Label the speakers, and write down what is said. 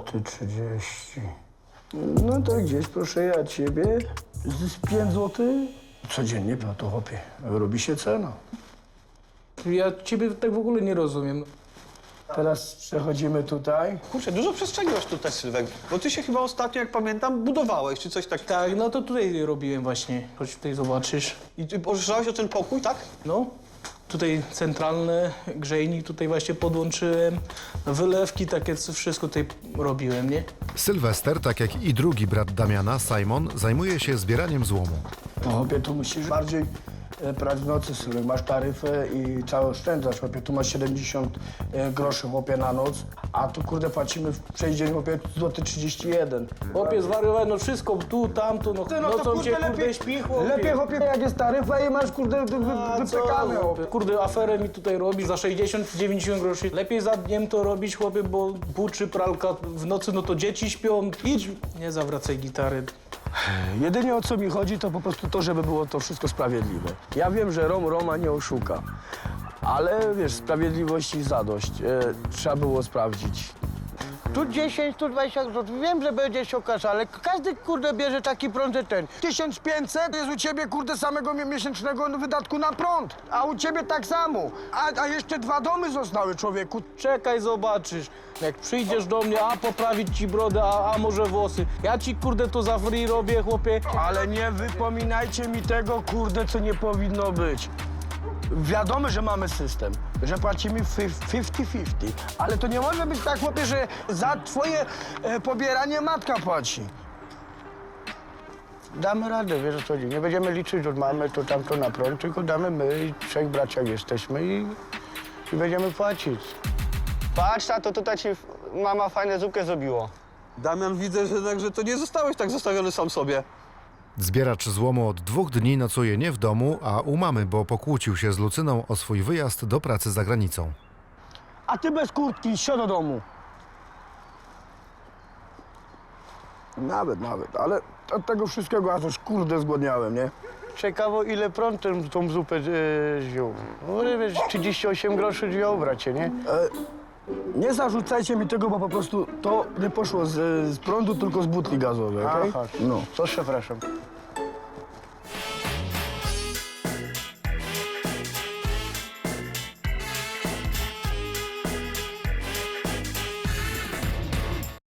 Speaker 1: zł 30. No to gdzieś, proszę ja ciebie, z 5 zł codziennie, no to chłopie, robi się cena.
Speaker 2: Ja ciebie tak w ogóle nie rozumiem.
Speaker 1: Teraz przechodzimy tutaj.
Speaker 3: Kurczę, dużo przestrzeliłeś tutaj, Sylwek. Bo ty się chyba ostatnio, jak pamiętam, budowałeś, czy coś takiego.
Speaker 2: Tak, no to tutaj robiłem właśnie. Chodź tutaj zobaczysz.
Speaker 3: I ty pożyczałeś o ten pokój, tak?
Speaker 2: No, tutaj centralny grzejnik tutaj właśnie podłączyłem. Wylewki, takie wszystko tutaj robiłem, nie?
Speaker 4: Sylwester, tak jak i drugi brat Damiana, Simon, zajmuje się zbieraniem złomu.
Speaker 1: No chłopie, tu musisz bardziej brać w nocy, Sylwek. Masz taryfę i trzeba oszczędzać, chłopie. Tu masz 70 groszy, chłopie, na noc, a tu, kurde, płacimy w przejściu, chłopie, złoty 31.
Speaker 2: Chłopie, zwariowałem, no wszystko, tu, tamtu, no, nocą cię, kurde, śpi, chłopie.
Speaker 1: Lepiej, chłopie, jak jest taryfa i masz, kurde, wypykane, chłopie.
Speaker 2: Kurde, aferę mi tutaj robi za 60-90 groszy. Lepiej za dniem to robić, chłopie, bo buczy, pralka w nocy, no to dzieci śpią. Idź, nie zawracaj gitary.
Speaker 1: Jedynie o co mi chodzi, to po prostu to, żeby było to wszystko sprawiedliwe. Ja wiem, że Roma nie oszuka, ale wiesz, sprawiedliwości i zadość trzeba było sprawdzić.
Speaker 5: Tu 10, tu 20 zł. Wiem, że będzie się okazał, ale każdy, kurde, bierze taki prąd, że ten.
Speaker 1: 1500 jest u ciebie, kurde, samego miesięcznego wydatku na prąd, a u ciebie tak samo. A jeszcze 2 domy zostały, człowieku.
Speaker 2: Czekaj, zobaczysz. Jak przyjdziesz do mnie, a poprawić ci brodę, a może włosy. Ja ci, kurde, to za free robię, chłopie.
Speaker 1: Ale nie wypominajcie mi tego, kurde, co nie powinno być. Wiadomo, że mamy system, że płacimy 50-50, ale to nie może być tak, chłopie, że za twoje pobieranie matka płaci.
Speaker 5: Damy radę, wiesz o co chodzi. Nie będziemy liczyć, że mamy to tamto na prąd, tylko damy my i 3 braciach jesteśmy i będziemy płacić.
Speaker 6: Patrz, tato, tutaj ci mama fajne zupkę zrobiło.
Speaker 3: Damian, widzę, że jednak, że to nie zostałeś tak zostawiony sam sobie.
Speaker 4: Zbieracz złomu od 2 dni nocuje nie w domu, a u mamy, bo pokłócił się z Lucyną o swój wyjazd do pracy za granicą.
Speaker 1: A ty bez kurtki, sio do domu. Nawet, ale od tego wszystkiego aż kurde zgłodniałem, nie?
Speaker 5: Ciekawo, ile prąd tą zupę wziął. No, wiesz, 38 groszy wziął, bracie, nie?
Speaker 1: Nie zarzucajcie mi tego, bo po prostu to nie poszło z prądu, tylko z butli gazowej, okej?
Speaker 5: Aha,
Speaker 1: No.
Speaker 5: to przepraszam.